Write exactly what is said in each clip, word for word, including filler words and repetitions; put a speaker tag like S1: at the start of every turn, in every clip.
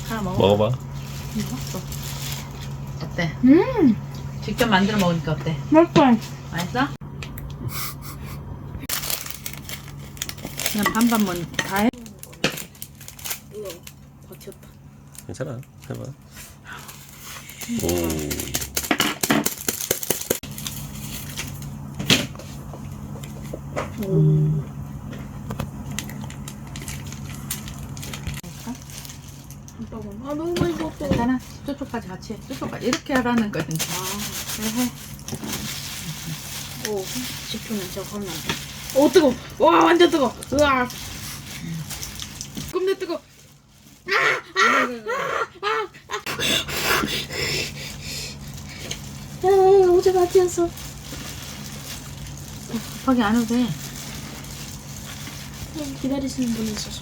S1: 하나 먹어.
S2: 먹어봐.
S1: 먹었어. 어때?
S3: 음,
S1: 직접 만들어 먹으니까 어때?
S3: 맛있어.
S1: 맛있어? 그냥 반반만 다 해.
S3: 우와, 버텼다.
S2: 괜찮아. 해봐. 오.
S3: 오. 아, 너무 많이 먹었어.
S1: 괜찮아. 저쪽까지 같이 해. 저쪽까지 이렇게 하라는 거야. 이제.
S3: 아,
S1: 그래 해.
S3: 오, 식초는 저거 하면 안 돼. 오, 뜨거. 와, 완전 뜨거. 으아. 겁나 뜨거. 아, 어제 마티였어.
S1: 급하게 안 해도 돼.
S3: 기다리시는 분이 있어서.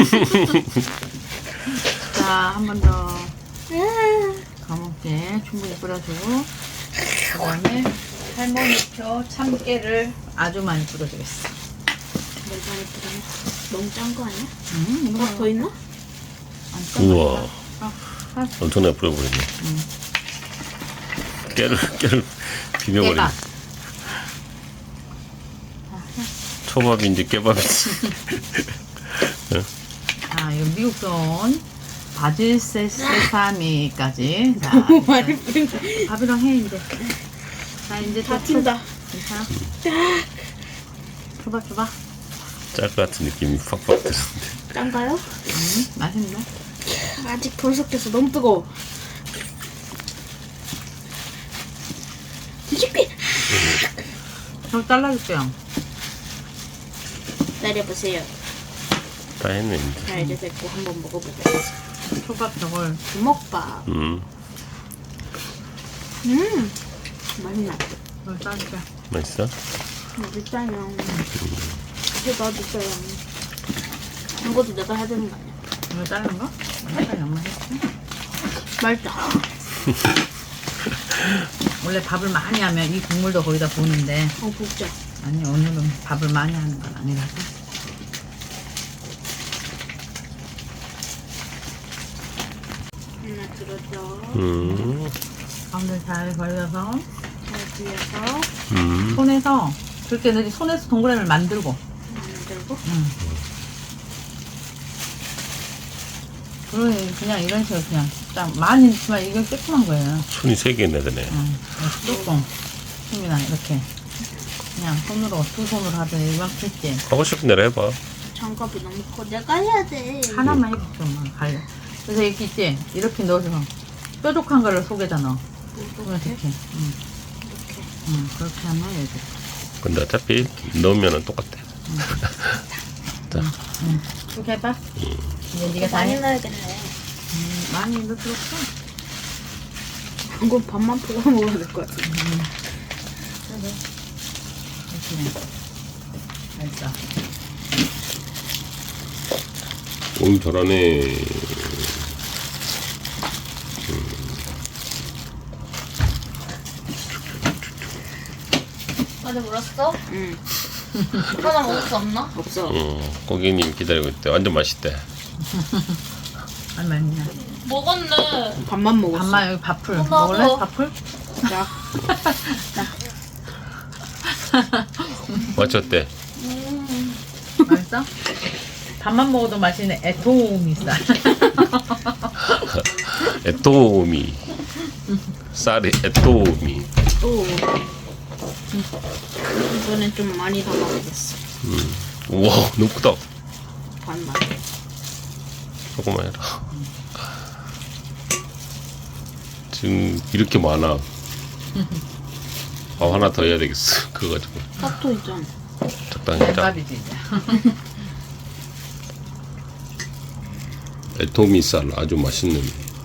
S1: 자, 한 번 더
S3: 아,
S1: 감옥에 충분히 뿌려주고 그 다음에 할머니표 참깨를 아주 많이 뿌려주겠어.
S3: 뭘 많이 뿌리네. 너무 짠 거 아니야?
S1: 음, 이거
S3: 뭐 더 있나?
S1: 안 짜.
S2: 우와.
S1: 어, 아,
S2: 엄청나게 뿌려버리네.
S1: 음.
S2: 깨를, 깨를 비벼버리네.
S1: 깨가.
S2: 초밥인지 깨밥인지.
S1: 아, 이거 미국돈 바질 세- 세사미까지. 자,
S3: 너무 많이 뿌리네.
S1: 밥이랑 해 이제. 자, 이제
S3: 다 튄다.
S1: 괜찮아. 줘봐, 줘봐.
S2: 짤 것 같은 느낌이 팍팍 드는데.
S3: 짠가요?
S1: 음, 맛있네.
S3: 아직 덜 섞여서 너무 뜨거워. 뒤집기!
S1: 저 잘라줄게요.
S3: 기다려보세요.
S2: 다 했네, 이제.
S3: 자, 이제 됐고 한번 먹어보자.
S1: 초밥 저걸
S3: 주먹밥.
S2: 음,
S3: 음, 맛있나?
S1: 저걸 짜줄게.
S2: 맛있어?
S3: 일단은 이제 넣어주세요. 이것도 내가 해야 되는 거 아니야?
S1: 이거 자른 거? 약간 양말 했지?
S3: 맛있다.
S1: 원래 밥을 많이 하면 이 국물도 거기다 부는데
S3: 어, 붓자.
S1: 아니 오늘은 밥을 많이 하는 건 아니라서.
S3: 하나 들어줘.
S2: 음,
S1: 가운데 잘 걸려서
S3: 잘 뒤에서
S2: 음.
S1: 손에서 그렇게 넣지 손에서 동그라미를 만들고
S3: 만들고.
S1: 응. 그러니 그냥 이런 식으로 그냥 딱 많이 넣지만 이건 조그만 거예요.
S2: 손이 세 개나 되네.
S1: 응. 조금 힘이나 이렇게 그냥 손으로 두 손으로 하든 이만큼 했지.
S2: 하고 싶은 대로 해봐.
S3: 장갑이 너무 커. 내가 해야 돼.
S1: 하나만 해도 좀 갈려. 그래서 이렇게 있지? 이렇게 넣어서 뾰족한 거를 속에다 넣어.
S3: 이렇게?
S1: 이렇게. 응.
S3: 이렇게.
S1: 응. 그렇게 하면 이제.
S2: 근데 어차피 넣으면 똑같아. 자,
S1: 응. 그렇게 해봐. 이제 네가 다
S3: 많이
S1: 해.
S3: 넣어야겠네.
S1: 음, 많이 넣을 필요 없어.
S3: 이건 밥만 보고 먹어야 될 것 같아.
S1: 음. 그래. 이렇게. 알죠.
S2: 오, 잘하네.
S4: 아직 물었어?
S3: 응.
S4: 하나 먹을 수 없나?
S3: 없어.
S2: 어, 고객님 기다리고 있대. 완전 맛있대.
S1: 얼마 있냐?
S4: 먹었네.
S3: 밥만 먹었어.
S1: 밥만 여기 밥풀.
S4: 어, 나도.
S1: 먹을래? 밥풀?
S3: 자,
S2: 맞췄대.
S4: 음.
S1: 맛있어? 밥만 먹어도 맛있네. 에토미 쌀.
S2: 에토미. 쌀이 에토미.
S3: 또. 이번엔 좀 많이 담아보겠어.
S2: 음. 우와, 너무 크다.
S3: 반만.
S2: 조금만 해라. 지금 이렇게 많아. 밥 하나 더 해야 되겠어. 그거 가지고.
S3: 핫도 있잖아.
S2: 적당히 해라.
S1: 밥이지 이제.
S2: 에토미 쌀 아주 맛있는.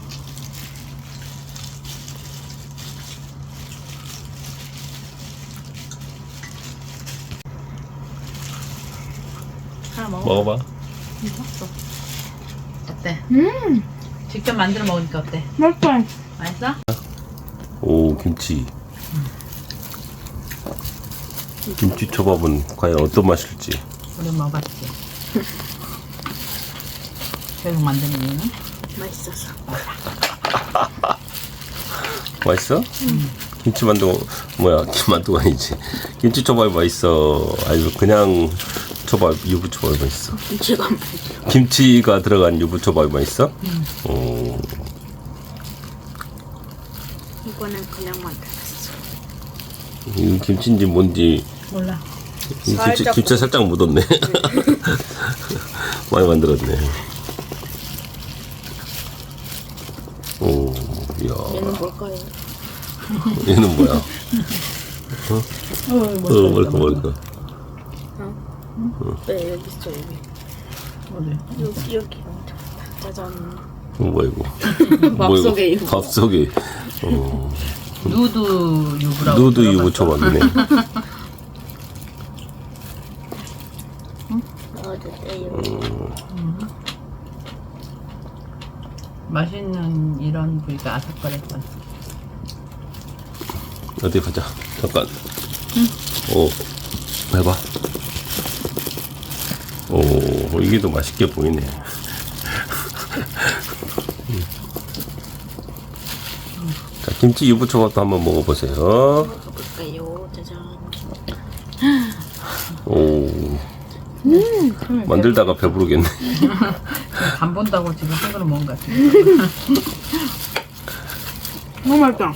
S1: 하나 먹어.
S2: 먹어봐.
S1: 먹었어. 어때?
S3: 음,
S1: 직접 만들어 먹으니까 어때?
S3: 맛있어.
S1: 맛있어?
S2: 오, 김치. 김치 초밥은 과연 어떤 맛일지.
S1: 우리 먹어봤지. 계속 만드는 이유는?
S3: 맛있어서.
S2: 맛있어? 김치만두 뭐야 김만두가 아니지 김치초밥 맛있어 아니면 그냥 초밥 유부초밥 맛있어?
S3: 김치가 맛있어.
S2: 김치가 들어간 유부초밥 맛있어? 어,
S3: 이거는 그냥 만들었어.
S2: 이 김치인지 뭔지
S1: 몰라.
S2: 이 김치,
S3: 살짝
S2: 김치 살짝 묻었네 많이 만들었네 오, 이야
S3: 얘는 뭘까요?
S2: 얘는 뭐야?
S1: 어,
S2: 어, 뭘까 뭘까
S3: 네, 여기 있어, 여기.
S1: 어디?
S3: 여기, 여기. 짜잔.
S2: 어, 뭐야 이거
S3: 밥속에 이거.
S2: 밥속에 어,
S1: 누드 유부라고.
S2: 누드
S1: 들어봤어?
S2: 유부초밥이네
S3: 넣어주세요.
S1: 맛있는 이런 부위가 아삭거렸던.
S2: 어디 가자 잠깐 오 해봐 오 이게 더 맛있게 보이네 자 김치 유부초밥도 한번 먹어보세요
S3: 먹어볼까요? 짜잔.
S2: 오 만들다가 배부르겠네
S1: 간 본다고 지금 한 그릇 먹은 것 같아.
S3: 너무 맛있다.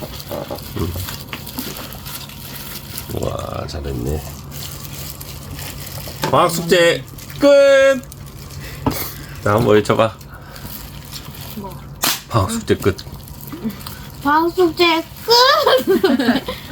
S2: 와 잘했네 과학 숙제 끝! 자 한번 외쳐봐
S3: 뭐?
S2: 과학 숙제 끝
S3: 방숙제 끝!